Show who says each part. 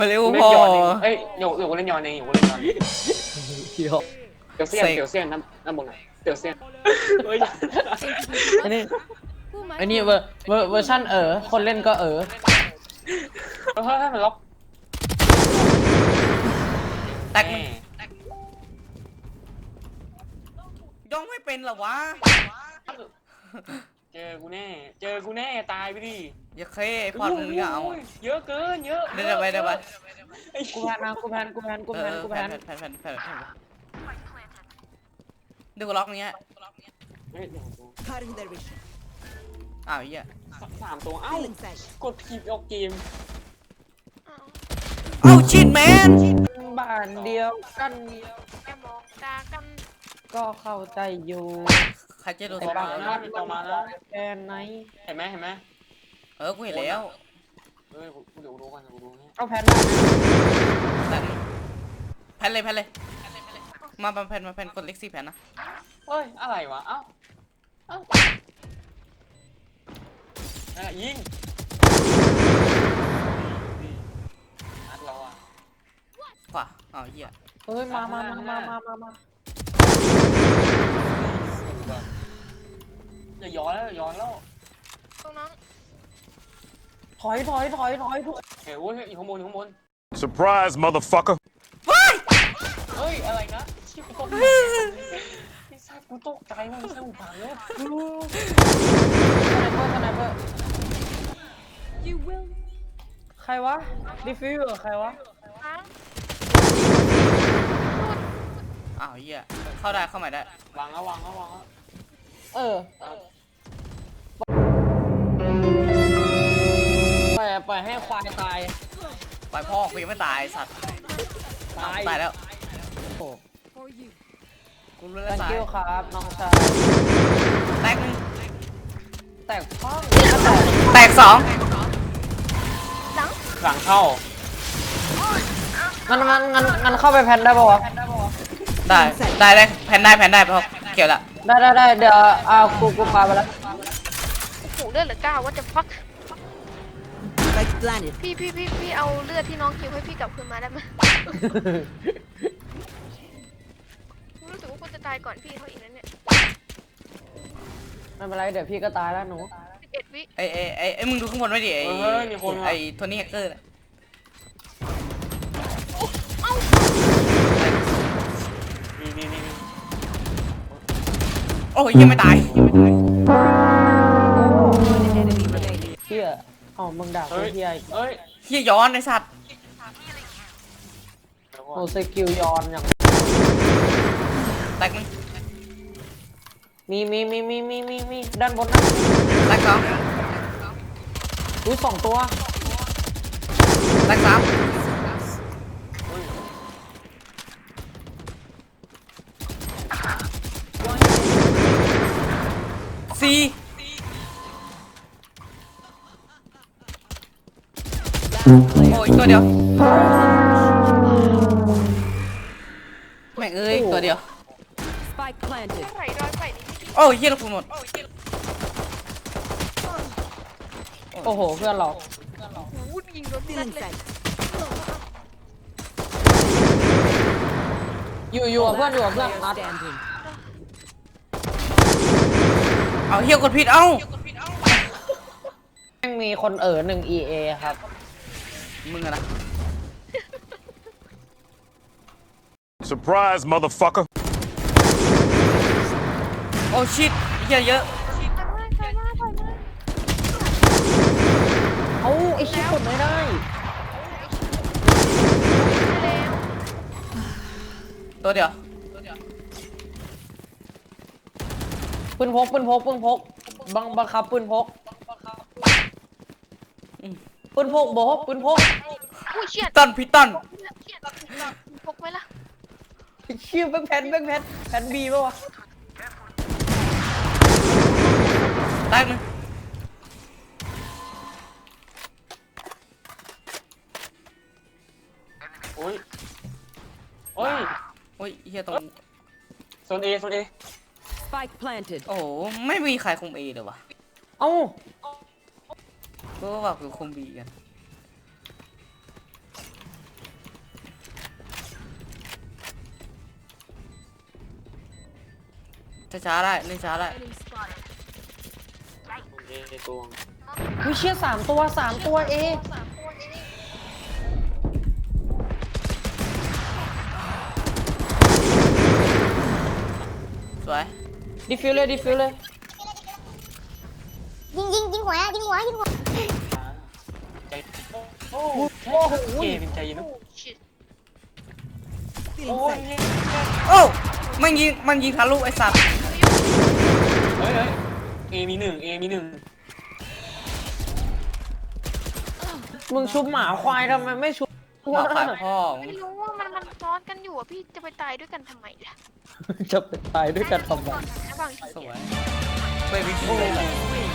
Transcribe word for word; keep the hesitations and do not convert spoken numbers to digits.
Speaker 1: มาเร็วพอ
Speaker 2: เอ้ยอยู่อยู่กูเล่นยอนเองอยู่กูเล่นยอน
Speaker 3: เดี๋ยว
Speaker 2: เตียวเซียนเตียวเซียนน้ำน้ำบนไหนเตียวเซียนเฮ้ย
Speaker 3: อันนี้อันนี้เวอร์เวอร์เวอร์ชันเออคนเล่นก็เออ
Speaker 2: เฮ้ยให้มันล็อก
Speaker 1: แตกย่องไม่เป็นหรอวะ
Speaker 2: เจอกูแน่เจอกูแน่ตายไปดิ
Speaker 1: อย่าเคยพอดมึงอย่าเอา
Speaker 2: เยอะเกินเยอะ
Speaker 1: เดี๋ยวไปเดี๋ยวไป
Speaker 3: กูแพนนะกูแพนกูแพนกูแพนกูแพน
Speaker 1: แพนแพนแพนดูล็อกเนี้ยอ้าวเหี้ย
Speaker 2: สามตัวเอ้ากดผิดออกเกม
Speaker 1: เอ้าชิดแมน
Speaker 3: บ้านเดียวกัน
Speaker 4: แค่มองตากัน
Speaker 3: ก็เข้าใจอยู่
Speaker 1: ใครจะโดน
Speaker 2: ต่อมาแล้วต่อมาแล้ว
Speaker 3: แค่ไหน
Speaker 2: เห็นไหมเห็นไหม
Speaker 1: เออกูเห็นแล้ว
Speaker 2: เฮ้ยกูเดี๋ยวดูกันกูดูนี่
Speaker 3: เอาแพน
Speaker 1: แพนเลยแพนเลยมาแพนมาแพนกดเล็กซี่แพนนะ
Speaker 2: เฮ้ยอะไรวะเอ้าเอ้านั่นแหละยิงนัดเราอ่ะ
Speaker 1: ขวาอ้าวเหี้ย
Speaker 3: เฮ้ยมามามามามามามา
Speaker 2: อย่าย้อนแล้วย้อนแล้ว
Speaker 4: ตรงนั้น
Speaker 3: ถอยถอยถอยถอยทุก
Speaker 2: เฮ้ยโอ้ยอยู่ข้างบนอยู่ข้างบน
Speaker 5: Surprise motherfucker
Speaker 2: เฮ้ยอะไรนะชิบกูตกใจไอ้สัตว์กูตกใจมันไม่ใช่หูฟังเลย
Speaker 3: สไนเปอร์สไนเปอร์ใครวะดิฟิวใครวะ
Speaker 1: อ้าวเหี้ยเข้าได้เข้าใหม่ได้
Speaker 2: วางแล้ววางแล้ววางแล้ว
Speaker 3: เออปล่อยปล่อยให้ควายตาย
Speaker 1: ปล่อยพ่อกูยังไม่ตายสัตว์ตายตายแล้วโอ้กูรู้แล้ว
Speaker 3: thank you ครับน้องชาย
Speaker 1: แตกหนึ่ง
Speaker 3: แตกพ่อ
Speaker 1: แตกสอง
Speaker 4: หลัง
Speaker 2: หลังเข้า
Speaker 3: งั้นงั้นงั้นงั้นเข้าไปแพนได้ป่าวะ
Speaker 1: ได้ได้ได้แพนได้แพนได้เพราะเกี่ยวละ
Speaker 3: ได้ได้ได้เดี๋ยวเอากูกูพาไปแล้ว
Speaker 4: โอ้โหเลือดเหลือเก้าว่าจะฟักพี่พี่พี่พี่เอาเลือดที่น้องคิวให้พี่กลับคืนมาได้ไหมรู้สึกว่าคุณจะตายก่อนพี่เขาอีกนั่นเนี่ย
Speaker 3: ไม่เป็นไรเดี๋ยวพี่ก็ตายแล้วหนู
Speaker 4: สิบเอ็ดวิ
Speaker 1: ไอไอไอไอมึงดูข้างบนไว้ดิไอไอโทนี่แฮกเกอร์
Speaker 2: นี่นี่นี่
Speaker 1: โอ้ยยังไม่ตาย
Speaker 3: เฮียอ๋อมึงด่ากูเฮีย
Speaker 2: เฮ้ย
Speaker 1: เฮียย้อนไอสัตว์
Speaker 3: โอ้สกิลย้อนอย่าง
Speaker 1: แตกนึง
Speaker 3: มีมีมีมีมีมีมีด้านบนนะ
Speaker 1: แตกสอง
Speaker 3: อุ้ยสองตัว
Speaker 1: แตกสามสี่โอ้ยตัวเดียวแม่งเอ้ยตัวเดียว
Speaker 4: ใส่ดอยใส่นี่
Speaker 1: โอ้ยเฮียลูกคุณหมด
Speaker 3: โอ้โหเพื่อนเรา
Speaker 4: วูดยิงรถนั่นเลย
Speaker 3: อยู่อยู่กับเพื่อนอยู่กับเพื่อนนัด
Speaker 1: เอาเฮียกดผิดเอ้า
Speaker 3: แม่งมีคนเอ๋อหนึ่ง อี เอ ครับ
Speaker 1: มึงอะนะ
Speaker 5: Surprise motherfucker
Speaker 1: โอ้ชิตเฮียเยอะ
Speaker 3: เอ้าไอ้ชิบกดไม่ได้
Speaker 1: ตัวเดียว
Speaker 3: ปืนพกปืนพกปืนพกบังบังคับปืนพกปืนพกโบกปืนพก
Speaker 1: ตันพิตัน
Speaker 4: พกไหมล่ะ
Speaker 3: ชื่อแบงแพนแบงแพนแพนบีป่าวะ
Speaker 1: แตกนึง
Speaker 2: โอ้ยโอ้ย
Speaker 1: โอ้ยเฮียตรง
Speaker 2: โซนเอโซนเอ
Speaker 6: Spike planted
Speaker 1: โอ้โหไม่มีใครคุมเอเลยวะ
Speaker 3: เอ้า
Speaker 1: ก็ว่าคือคุมบีกันช้าๆได้เล่นช้าได้
Speaker 2: เอตัว
Speaker 3: วิเชียสามตัวสามตัวเอ
Speaker 1: สวย
Speaker 3: ดิฟิวเลยดิฟิวเลย
Speaker 6: ยิงยิงยิงหัวยิงหัวยิงหัว
Speaker 2: ใจโอ้โหเอเป็นใจเย็นนะ
Speaker 4: ชิด
Speaker 2: โอ้ย
Speaker 1: โอ้มันยิงมันยิงทะลุไอ้สัตว์
Speaker 2: เฮ้ยเฮ้ยเอมีหนึ่งเอมีหนึ่ง
Speaker 3: มึงชุบหมาควายทำไมไม่ชุบ
Speaker 1: หมาควายพ่อ
Speaker 4: ไม่รู้ว่ามันมันซ้อนกันอยู่อ่ะพี่จะไปตายด้วยกันทำไมล่ะ
Speaker 3: จะไปตายด้วยกันทำไม
Speaker 4: นะบางที
Speaker 1: สวยไม่วิธีเลย